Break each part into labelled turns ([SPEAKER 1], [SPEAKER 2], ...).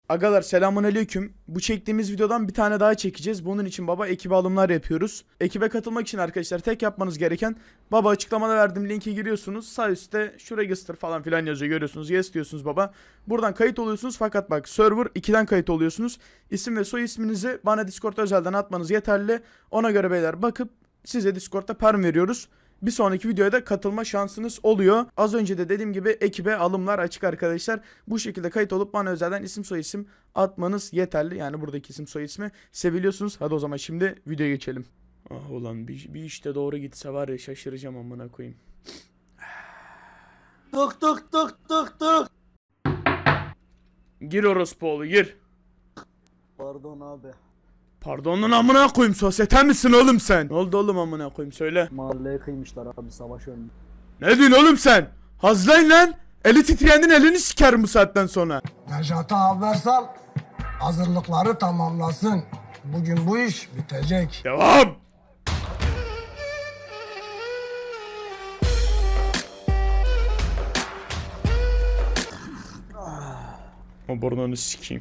[SPEAKER 1] Agalar selamünaleyküm. Bu çektiğimiz videodan bir tane daha çekeceğiz. Bunun için baba ekibe alımlar yapıyoruz. Ekibe katılmak için arkadaşlar tek yapmanız gereken baba açıklamada verdiğim linke giriyorsunuz. Sağ üstte şu register falan filan yazıyor, görüyorsunuz. Yes diyorsunuz baba. Buradan kayıt oluyorsunuz fakat bak server 2'den kayıt oluyorsunuz. İsim ve soy isminizi bana Discord özelden atmanız yeterli. Ona göre beyler bakıp size Discord'da perm veriyoruz. Bir sonraki videoya da katılma şansınız oluyor. Az önce de dediğim gibi ekibe alımlar açık arkadaşlar. Bu şekilde kayıt olup bana özelden isim soy isim atmanız yeterli. Yani buradaki isim soy ismi seviliyorsunuz. Hadi o zaman şimdi videoya geçelim. Ah ulan bir işte doğru gitse var ya şaşıracağım amına koyayım.
[SPEAKER 2] Tık tık tık tık tık.
[SPEAKER 1] Gir orospu gir.
[SPEAKER 2] Pardon abi.
[SPEAKER 1] Pardonun amına koyayım, sosyete misin oğlum sen? Ne oldu oğlum amına koyayım söyle.
[SPEAKER 2] Mahalleye kıymışlar abi, savaş önünde.
[SPEAKER 1] Ne diyorsun oğlum sen? Hazlayın lan. Eli titreyenin elini sikerim bu saatten sonra.
[SPEAKER 3] Necat'a haber sal, hazırlıkları tamamlasın. Bugün bu iş bitecek.
[SPEAKER 1] Devam. O burnunu sikeyim.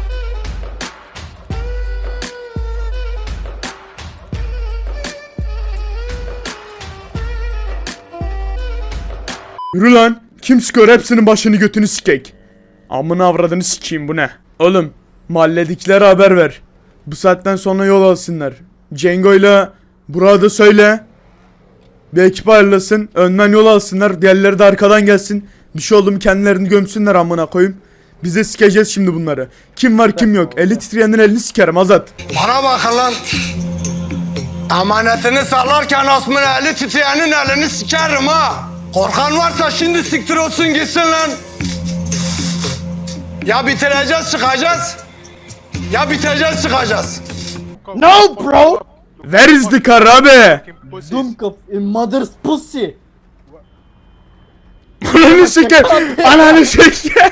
[SPEAKER 1] Yürü lan. Kim sıkıyor hepsinin başını götünü sikek. Amına avradını sikeyim, bu ne? Oğlum mahalledikilere haber ver. Bu saatten sonra yol alsınlar. Cengo'yla Burak'a da söyle. Bir ekip ayrılasın. Önden yol alsınlar. Diğerleri de arkadan gelsin. Bir şey oldu mu kendilerini gömsünler amına koyayım. Biz de sikeceğiz şimdi bunları. Kim var kim yok. Eli titreyenin elini sikerim Azat.
[SPEAKER 3] Bana bakın lan. Amanetini sallarken asmın eli titreyenin elini sikerim ha. Korkan varsa şimdi siktir olsun gitsin lan. Ya bitireceğiz çıkacağız. Ya biteceğiz çıkacağız.
[SPEAKER 2] No bro.
[SPEAKER 1] Where is the car abi?
[SPEAKER 2] Dumkop in mother's pussy.
[SPEAKER 1] Ananı siker. Ananı siker.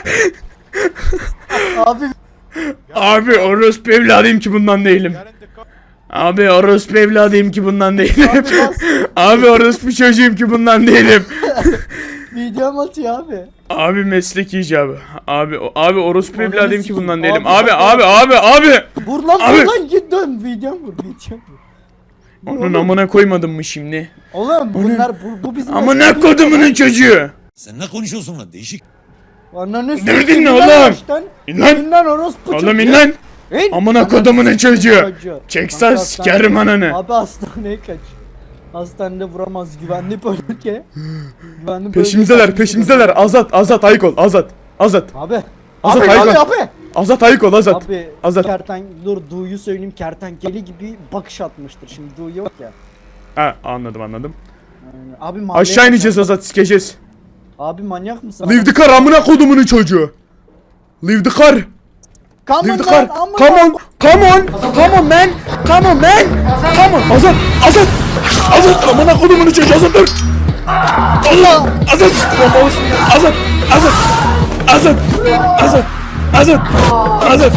[SPEAKER 2] Abi
[SPEAKER 1] Abi orospu evladıyım ki bundan değilim. Abi orospu evladıyım ki bundan değilim. Abi orospu çocuğum ki bundan değilim.
[SPEAKER 2] videom atıyor abi.
[SPEAKER 1] Abi meslek icabı. Abi orospu
[SPEAKER 2] Ananı
[SPEAKER 1] evladıyım ki
[SPEAKER 2] sikeyim.
[SPEAKER 1] bundan değilim.
[SPEAKER 2] Abi,
[SPEAKER 1] Abi.
[SPEAKER 2] Vur lan
[SPEAKER 1] Abi.
[SPEAKER 2] vur lan, git dön, videom vur.
[SPEAKER 1] Onun amına koymadım mı şimdi?
[SPEAKER 2] Oğlum bunlar bu bizim
[SPEAKER 1] Amına
[SPEAKER 2] mesleğimiz.
[SPEAKER 1] kodumunun çocuğu.
[SPEAKER 4] Sen ne konuşuyorsun lan değişik.
[SPEAKER 2] Ananı
[SPEAKER 1] Derdin
[SPEAKER 2] sikeyim
[SPEAKER 1] ne
[SPEAKER 2] lan
[SPEAKER 1] oğlum?
[SPEAKER 2] ağaçtan.
[SPEAKER 1] İn lan.
[SPEAKER 2] İn lan orospu çocuğu.
[SPEAKER 1] Oğlum in lan.
[SPEAKER 2] İn.
[SPEAKER 1] Amına
[SPEAKER 2] Ananı
[SPEAKER 1] kodumunun
[SPEAKER 2] sikeyim
[SPEAKER 1] çocuğu.
[SPEAKER 2] çocuğu.
[SPEAKER 1] Çeksen
[SPEAKER 2] Kanka,
[SPEAKER 1] sikerim ananı.
[SPEAKER 2] Abi hastaneye kaç. Hastanede vuramaz, güvenli bölge. Güvenli bölge.
[SPEAKER 1] Peşimizdeler. Azat ayık ol. Azat.
[SPEAKER 2] Abi.
[SPEAKER 1] Azat
[SPEAKER 2] Abi
[SPEAKER 1] ayık ol.
[SPEAKER 2] abi.
[SPEAKER 1] Azat ayık ol Azat.
[SPEAKER 2] Abi
[SPEAKER 1] Azat.
[SPEAKER 2] dur Du'yu söyleyeyim, kertenkele gibi bakış atmıştır. Şimdi Du yok ya.
[SPEAKER 1] Ha anladım.
[SPEAKER 2] Abi mahalleye
[SPEAKER 1] Aşağı ineceğiz Azat, sikeceğiz.
[SPEAKER 2] Abi manyak mısın?
[SPEAKER 1] Leave the car amına kodumunun çocuğu. Leave the car.
[SPEAKER 2] Come
[SPEAKER 1] Leave
[SPEAKER 2] on
[SPEAKER 1] the car.
[SPEAKER 2] lan, amma.
[SPEAKER 1] Come on man. Come on. Azat amına kodumunun çocuğu, Azat dur. Azat.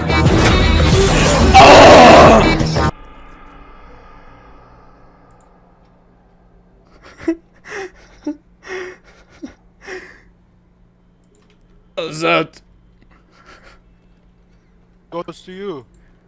[SPEAKER 1] Azat.
[SPEAKER 5] Goes to you.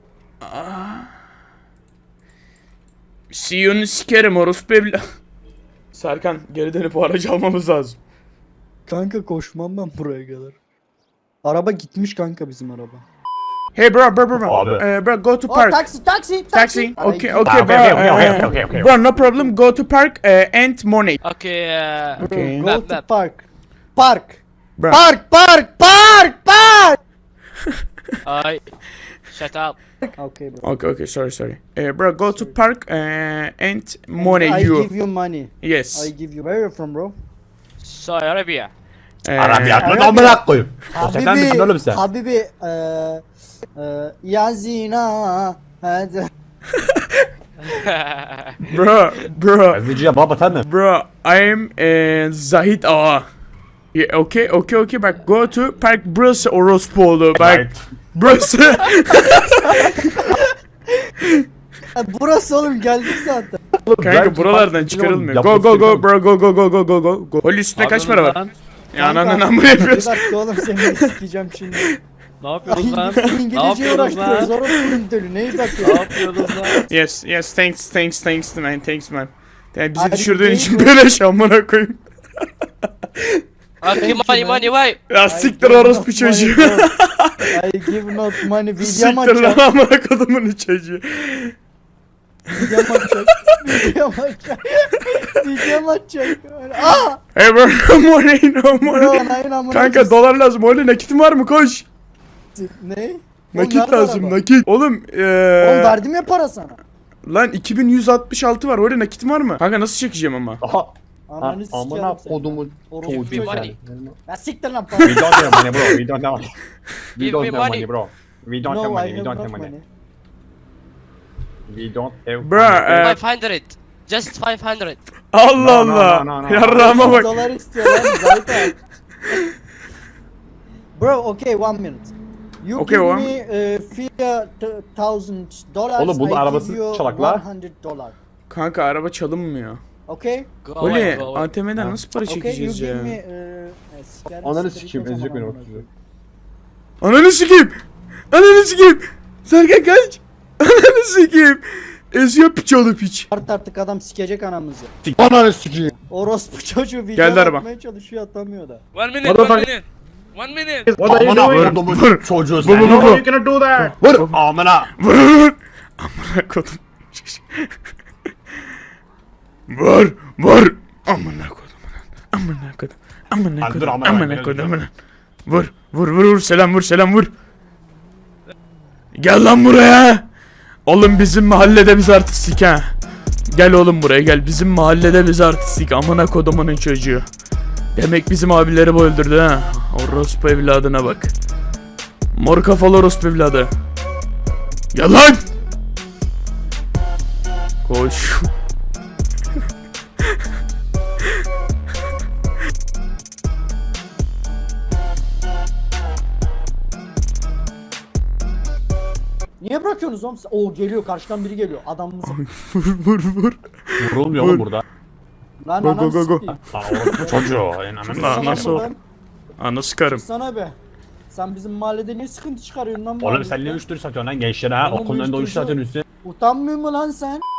[SPEAKER 1] CEO'nu sikerim orospu evla. Serkan geri dönüp o aracı almamız lazım.
[SPEAKER 2] Kanka koşmam ben buraya kadar. Araba gitmiş kanka, bizim araba.
[SPEAKER 1] Hey bro.
[SPEAKER 4] Abi.
[SPEAKER 1] Bro go to
[SPEAKER 2] Oh,
[SPEAKER 1] park.
[SPEAKER 2] taksi.
[SPEAKER 1] Okay,
[SPEAKER 2] Ay,
[SPEAKER 1] bro.
[SPEAKER 4] Okay.
[SPEAKER 1] Bro, no problem. Go to park and money.
[SPEAKER 6] Okay,
[SPEAKER 1] Okay.
[SPEAKER 2] Go
[SPEAKER 6] That,
[SPEAKER 2] to
[SPEAKER 6] that.
[SPEAKER 2] park.
[SPEAKER 1] Bro.
[SPEAKER 2] Park.
[SPEAKER 6] I shut up.
[SPEAKER 2] Okay bro.
[SPEAKER 1] Okay. Sorry. Bro, go to park and money
[SPEAKER 2] I
[SPEAKER 1] you.
[SPEAKER 2] give you money.
[SPEAKER 1] Yes.
[SPEAKER 2] I give you. Where are you from bro?
[SPEAKER 6] Saudi Arabia.
[SPEAKER 4] Arabiyatın amına koyayım. Sosyeten misin oğlum sen?
[SPEAKER 2] Habibi, yazina. Hadi.
[SPEAKER 1] Bro.
[SPEAKER 4] Eziciye baba sen mi?
[SPEAKER 1] Bro, I'm Zahid Ağa. Yeah, okay. Bak go to park burası orospu bak. Burası.
[SPEAKER 2] Burası oğlum, geldik zaten.
[SPEAKER 1] Kanka buralardan çıkarılmıyor. Go bro, go. Hol üstüne kaç para var? Ya ananın amını
[SPEAKER 2] Bir
[SPEAKER 1] yapıyorsun.
[SPEAKER 2] dakika oğlum, seni sikeceğim şimdi.
[SPEAKER 5] Ne yapıyorsunuz lan?
[SPEAKER 2] İngilizce
[SPEAKER 5] yapıyorsunuz lan?
[SPEAKER 2] uğraştırıyoruz. Orospu'nun dölü. Neyi
[SPEAKER 5] Ne
[SPEAKER 2] bakıyorsun?
[SPEAKER 5] yapıyorsunuz lan?
[SPEAKER 1] Yes, thanks man. Yani bizi
[SPEAKER 2] Hadi
[SPEAKER 1] düşürdüğün
[SPEAKER 2] gidelim
[SPEAKER 1] için
[SPEAKER 2] mi?
[SPEAKER 1] böyle amına koyayım.
[SPEAKER 6] Okay, money, money, why?
[SPEAKER 1] Ya siktir orospu çocuğu.
[SPEAKER 2] I give not money. Video
[SPEAKER 1] Siktir
[SPEAKER 2] mu
[SPEAKER 1] lan
[SPEAKER 2] açacak?
[SPEAKER 1] amına kodumun çocuğu.
[SPEAKER 2] Video mu açacak? Video mu açacak? Video mu açacak? Aaa!
[SPEAKER 1] Hey bro, money no
[SPEAKER 2] Bro,
[SPEAKER 1] money.
[SPEAKER 2] nayın amına
[SPEAKER 1] Kanka
[SPEAKER 2] koyayım.
[SPEAKER 1] dolar lazım. Öyle nakitin var mı? Koş.
[SPEAKER 2] Ne? Oğlum,
[SPEAKER 1] Nakit
[SPEAKER 2] nerede
[SPEAKER 1] lazım,
[SPEAKER 2] araba?
[SPEAKER 1] nakit. Oğlum
[SPEAKER 2] Oğlum verdim ya para sana.
[SPEAKER 1] lan 2166 var. Öyle nakitin var mı? Kanka nasıl çekeceğim ama?
[SPEAKER 4] Aha.
[SPEAKER 2] Ananı sikerim
[SPEAKER 4] Amına
[SPEAKER 2] seni.
[SPEAKER 4] kodumun
[SPEAKER 2] Orospu
[SPEAKER 6] Give me
[SPEAKER 2] çocuğu.
[SPEAKER 6] money.
[SPEAKER 2] Ya siktir lan
[SPEAKER 4] We
[SPEAKER 2] para.
[SPEAKER 4] don't have money bro. We don't have money. We
[SPEAKER 6] Give
[SPEAKER 4] don't
[SPEAKER 6] me
[SPEAKER 4] have
[SPEAKER 6] money.
[SPEAKER 4] money bro. We don't have
[SPEAKER 2] No, I
[SPEAKER 4] money. We
[SPEAKER 2] have
[SPEAKER 4] don't
[SPEAKER 2] not
[SPEAKER 4] have money.
[SPEAKER 2] money.
[SPEAKER 4] We don't have
[SPEAKER 1] Bro,
[SPEAKER 4] money.
[SPEAKER 6] 500. Just 500.
[SPEAKER 1] Allah
[SPEAKER 4] No, no,
[SPEAKER 1] Allah.
[SPEAKER 4] no, no, no.
[SPEAKER 1] Yarrağıma bak.
[SPEAKER 2] Dolar istiyor lan zaten. Bro, okay, 1 minute. You
[SPEAKER 1] Okay,
[SPEAKER 2] give
[SPEAKER 1] one.
[SPEAKER 2] me $1,000.
[SPEAKER 4] Oğlum bunun
[SPEAKER 2] I
[SPEAKER 4] arabası
[SPEAKER 2] give you
[SPEAKER 4] çalak la.
[SPEAKER 2] $100.
[SPEAKER 1] Kanka araba çalınmıyor.
[SPEAKER 2] Okay?
[SPEAKER 6] Go away,
[SPEAKER 1] Öyle
[SPEAKER 6] go away.
[SPEAKER 1] ATM'den nasıl para
[SPEAKER 2] Okay, you
[SPEAKER 1] çekeceğiz
[SPEAKER 2] give
[SPEAKER 1] ya?
[SPEAKER 2] me sikerim
[SPEAKER 4] Ananı
[SPEAKER 2] siktir
[SPEAKER 4] sikeyim
[SPEAKER 2] git o
[SPEAKER 4] ezecek
[SPEAKER 2] zaman
[SPEAKER 4] beni
[SPEAKER 2] amına
[SPEAKER 4] orospu.
[SPEAKER 1] Ananı sikeyim. Ananı sikeyim. Serkan kaç. Ananı sikeyim. Eziyor piç oğlu piç.
[SPEAKER 2] Artık adam sikecek anamızı.
[SPEAKER 4] Ananı sikeyim.
[SPEAKER 2] Orospu çocuğu video
[SPEAKER 1] Geldi araba.
[SPEAKER 2] atmaya çalışıyor atamıyor da.
[SPEAKER 6] 1 minute, 1 minute. 1 minute.
[SPEAKER 4] What are you doing? Kodumun çocuğu
[SPEAKER 1] Vur,
[SPEAKER 4] sen.
[SPEAKER 1] vur, vur.
[SPEAKER 4] You gonna do that? Vur. Amına.
[SPEAKER 1] Vur vur. Amına kodum. Vur vur. Amına kodum. Amına kodum. Amına
[SPEAKER 4] Lan dur,
[SPEAKER 1] kodum.
[SPEAKER 4] amına
[SPEAKER 1] Amına
[SPEAKER 4] koyayım,
[SPEAKER 1] kodum.
[SPEAKER 4] dur.
[SPEAKER 1] Amına. Vur vur vur vur. Selam vur selam vur. Gel lan buraya. Oğlum bizim mahallede biz artistik ha. Gel oğlum buraya gel. Bizim mahallede biz artistik. Amına kodumunun çocuğu. Demek bizim abileri bu öldürdü ha. Orospu evladına bak. Mor kafalı orospu evladı. Gel lan. Koş.
[SPEAKER 2] Niye bırakıyorsunuz oğlum? Oo geliyor karşıdan biri geliyor. Adamımız.
[SPEAKER 1] Vur vur vur.
[SPEAKER 4] Vurulmuyor oğlum burada.
[SPEAKER 2] Lan
[SPEAKER 1] Go,
[SPEAKER 2] anam
[SPEAKER 1] go, go, go.
[SPEAKER 2] sikeyim.
[SPEAKER 4] Aa orospu çocuğu.
[SPEAKER 1] Lan nasıl o?
[SPEAKER 2] Lan,
[SPEAKER 1] Ana sıkarım.
[SPEAKER 2] sana be. Sen bizim mahallede niye sıkıntı çıkarıyorsun lan bu
[SPEAKER 4] Oğlum
[SPEAKER 2] halde?
[SPEAKER 4] sen ne uyuşturucu satıyorsun lan gençlere ha?
[SPEAKER 2] Oğlum
[SPEAKER 4] Okulun önünde uyuşturucu
[SPEAKER 2] uyuşturucu-
[SPEAKER 4] satıyorsun üstüne.
[SPEAKER 2] Utanmıyor mu lan sen?